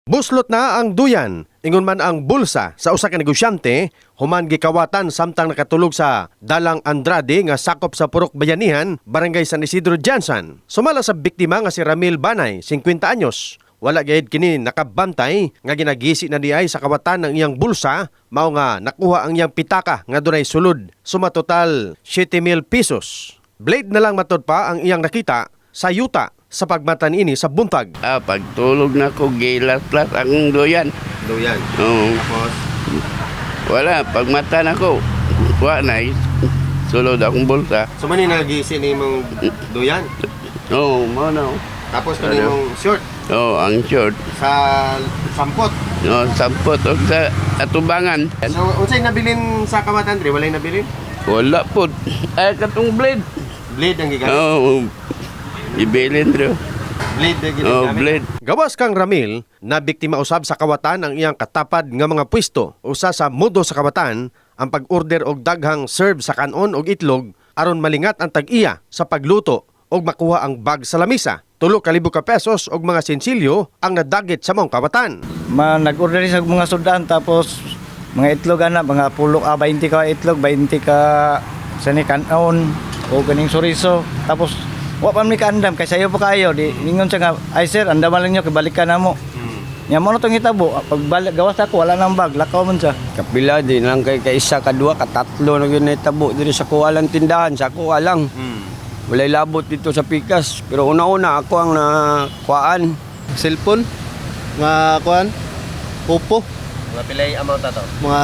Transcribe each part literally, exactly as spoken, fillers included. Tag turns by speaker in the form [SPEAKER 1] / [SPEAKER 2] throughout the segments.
[SPEAKER 1] Buslot na ang duyan, ingon man ang bulsa sa usa ka negosyante, human gikawatan samtang nakatulog sa Dalang Andrade nga sakop sa Purok Bayanihan, Barangay San Isidro, Jansan. Sumala sa biktima nga si Ramil Banay, fifty anyos. Wala gayud kini nakabantay nga ginagisi na diay sa kawatan ng iyang bulsa, mao nga nakuha ang iyang pitaka nga dunay sulod, suma total seven mil pesos. Blade na lang matod pa ang iyang nakita sa yuta sa pagmatan ini sa buntag.
[SPEAKER 2] Ah, pagtulog na ko, gilat-lat ang duyan.
[SPEAKER 1] Duyan.
[SPEAKER 2] Oo.
[SPEAKER 1] Tapos
[SPEAKER 2] Wala, pagmata na ko, wala na, sulod akong bulsa.
[SPEAKER 1] so man nagisi ni mong duyan.
[SPEAKER 2] Oo, mo na.
[SPEAKER 1] Tapos kani mong short
[SPEAKER 2] Oo, ang short.
[SPEAKER 1] sa sampot.
[SPEAKER 2] No, sampot o sa atubangan.
[SPEAKER 1] So unsay nabilin sa kawatan dre? Walay nabilin?
[SPEAKER 2] Wala po. Ay, katong blade.
[SPEAKER 1] Blade ang gigamit.
[SPEAKER 2] Oo, ibilin rin.
[SPEAKER 1] Blade ang
[SPEAKER 2] Oo,
[SPEAKER 1] gigamit.
[SPEAKER 2] blade.
[SPEAKER 1] Gawas kang Ramil, na biktima usab sa kawatan ang iyang katapad nga mga pwesto. Usa sa mudo sa kawatan ang pag-order og daghang serve sa kanon og itlog aron malingat ang tag-iya sa pagluto og makuha ang bag sa lamisa. Tulo ka libo ka pesos og mga sensilyo ang nadagit sa mong kawatan.
[SPEAKER 3] Ma nag-order sa mga sudan tapos mga itlog ana mga pulo ah twenty ka itlog, twenty ka sani kanon o kaning suriso. Tapos wa pa mi kaandam kay sayo pa kayo di ningon siya nga ay sir andaman lang niyo kibalikan namo. Nya mo na tong hitabo pagbalik gawas ako wala nang bag lakaw man siya.
[SPEAKER 4] Kapila din lang kay kaisa kadua katatlo na gyud nahitabo diri sa kuwalang tindahan sa kuwa lang. Walay labot dito sa Pikas pero una-una ako ang nakuhaan.
[SPEAKER 5] Cellphone, mga kuan, Oppo,
[SPEAKER 1] Mga pilay amount ato.
[SPEAKER 5] mga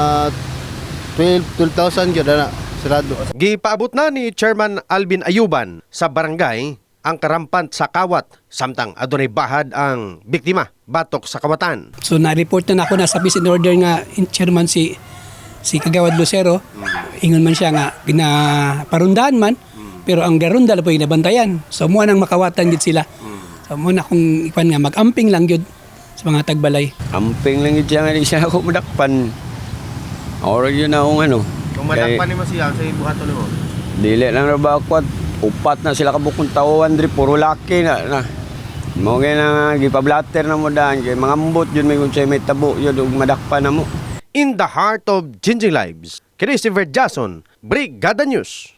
[SPEAKER 5] twelve thousand yun na, sirado.
[SPEAKER 1] Gipaabot na ni Chairman Alvin Ayuban sa barangay ang karampant sa kawat samtang adunay bahad ang biktima batok sa kawatan.
[SPEAKER 6] So na-report na ako na sa peace and order nga in chairman si si Kagawad Lucero. Ingon man siya nga ginaparundahan man pero ang garunda po inabantayan. So mo nang makawatan gid sila. So mo na kung ipan nga mag-amping lang gyud sa mga tagbalay.
[SPEAKER 4] Amping lang gid siya nga di siya ako madakpan. Ora yun na akong ano.
[SPEAKER 1] Kung madakpan nimo siya sa buhaton nimo.
[SPEAKER 4] Dili lang ra ba ako at upat na sila kabukong tawon diri puro laki na. na. Mo kay na gipablatter na mo daan kay mga ambot yun may kun say may tabo yun ug madakpan na mo.
[SPEAKER 1] In the heart of changing lives, Christopher Jason, Brigada News.